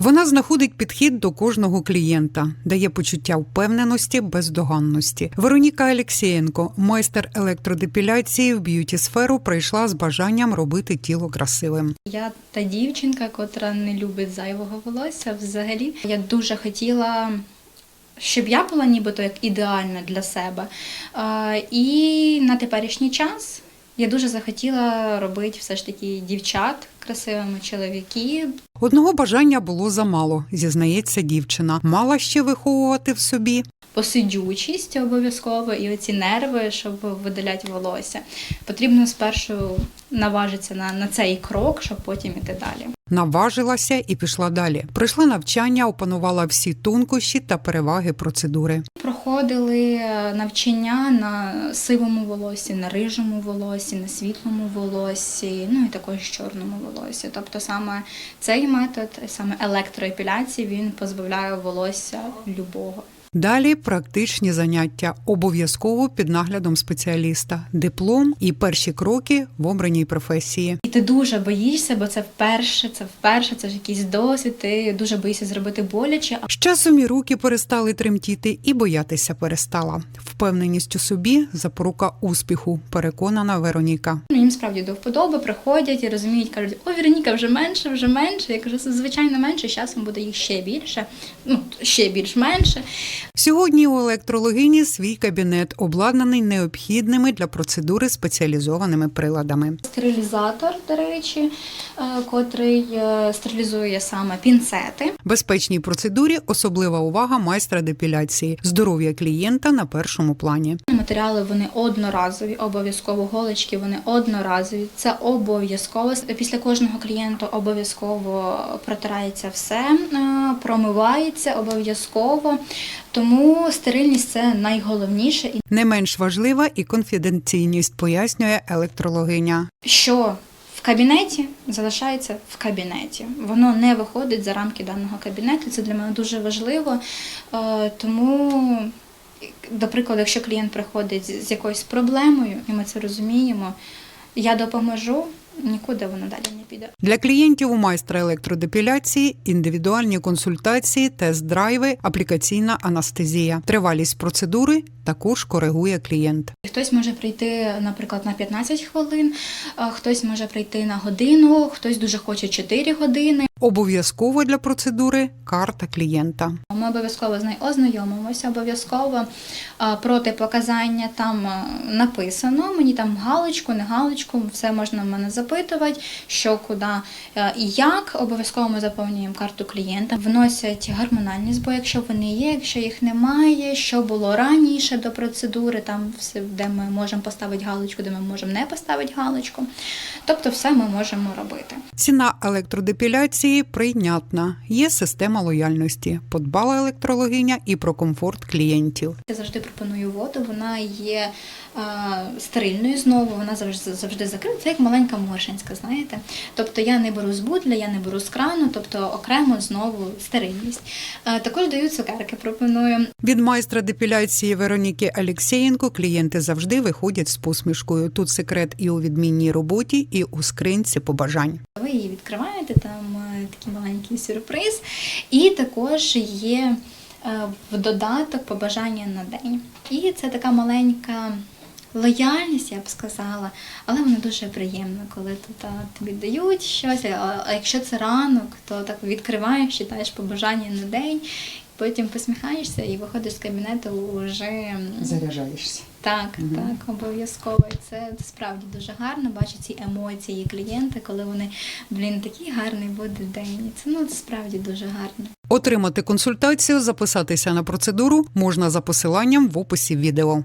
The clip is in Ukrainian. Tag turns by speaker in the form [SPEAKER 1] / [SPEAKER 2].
[SPEAKER 1] Вона знаходить підхід до кожного клієнта, дає почуття впевненості, бездоганності. Вероніка Алєксєєнко, майстер електродепіляції в б'юті-сферу, прийшла з бажанням робити тіло красивим.
[SPEAKER 2] Я та дівчинка, котра не любить зайвого волосся взагалі. Я дуже хотіла, щоб я була нібито як ідеальна для себе. І на теперішній час я дуже захотіла робити все ж таки дівчат красивими, чоловіків.
[SPEAKER 1] Одного бажання було замало, зізнається дівчина. Мала ще виховувати в собі
[SPEAKER 2] Посидючість обов'язково і оці нерви, щоб видаляти волосся. Потрібно спершу наважитися на цей крок, щоб потім іти далі.
[SPEAKER 1] наважилася і пішла далі. Пройшла навчання, опанувала всі тонкощі та переваги процедури.
[SPEAKER 2] Проходили навчання на сивому волосі, на рижому волосі, на світлому волосі, ну і також чорному волосі. Тобто саме цей метод, саме електроепіляції, він позбавляє волосся любого.
[SPEAKER 1] Далі практичні заняття, обов'язково під наглядом спеціаліста, диплом і перші кроки в обраній професії.
[SPEAKER 2] І ти дуже боїшся, бо це вперше, це ж якийсь досвід, ти дуже боїшся зробити боляче.
[SPEAKER 1] З часом і руки перестали тремтіти, і боятися перестала. Впевненість у собі – запорука успіху, переконана Вероніка.
[SPEAKER 2] Їм справді до вподоби, приходять і розуміють, кажуть, о, Вероніка, вже менше. Я кажу, звичайно менше, з часом буде їх ще більше, ще більш-менше.
[SPEAKER 1] Сьогодні у електрологині свій кабінет, обладнаний необхідними для процедури спеціалізованими приладами.
[SPEAKER 2] Стерилізатор, до речі, котрий стерилізує саме пінцети.
[SPEAKER 1] Безпечній процедурі особлива увага майстра депіляції. Здоров'я клієнта на першому плані.
[SPEAKER 2] Матеріали, вони одноразові, обов'язково голочки, вони одноразові. Це обов'язково. Після кожного клієнта обов'язково протирається все, промивається обов'язково. Тому стерильність – це найголовніше.
[SPEAKER 1] Не менш важлива і конфіденційність, пояснює електрологиня.
[SPEAKER 2] Що в кабінеті залишається в кабінеті. Воно не виходить за рамки даного кабінету. Це для мене дуже важливо. Тому, до прикладу, якщо клієнт приходить з якоюсь проблемою, і ми це розуміємо, я допоможу, нікуди воно далі не піде.
[SPEAKER 1] Для клієнтів у майстра електродепіляції індивідуальні консультації, тест-драйви, аплікаційна анестезія. Тривалість процедури також коригує клієнт.
[SPEAKER 2] Хтось може прийти, наприклад, на 15 хвилин, хтось може прийти на годину, хтось дуже хоче 4 години.
[SPEAKER 1] Обов'язково для процедури карта клієнта.
[SPEAKER 2] Ми обов'язково з нею ознайомимося, обов'язково протипоказання там написано, мені там галочку, не галочку, все можна в мене запитувати, що, куди і як. Обов'язково ми заповнюємо карту клієнта, вносять гормональні збої, якщо вони є, якщо їх немає, що було раніше до процедури, там все, де ми можемо поставити галочку, де ми можемо не поставити галочку. Тобто все ми можемо робити.
[SPEAKER 1] Ціна електродепіляції прийнятна. Є система лояльності. Подбала електрологиня і про комфорт клієнтів.
[SPEAKER 2] Я завжди пропоную воду, вона є стерильною знову, вона завжди закрита, це як маленька моршинська, знаєте. Тобто я не беру з бутля, я не беру з крану, тобто окремо знову стерильність. Також даю цукерки, пропоную.
[SPEAKER 1] Від майстра депіляції Вероніки Алєксєєнко клієнти завжди виходять з посмішкою. Тут секрет і у відмінній роботі, і у скринці побажань.
[SPEAKER 2] Ви її відкриваєте, там такий маленький сюрприз, і також є в додаток побажання на день. І це така маленька лояльність, я б сказала, але вона дуже приємна, коли тут тобі дають щось, а якщо це ранок, то так відкриваєш, читаєш побажання на день, потім посміхаєшся і виходиш з кабінету вже...
[SPEAKER 1] Заряджаєшся.
[SPEAKER 2] Так, обов'язково. І це справді дуже гарно, бачу ці емоції клієнта, коли вони, такий гарний буде день. Це справді дуже гарно.
[SPEAKER 1] Отримати консультацію, записатися на процедуру можна за посиланням в описі відео.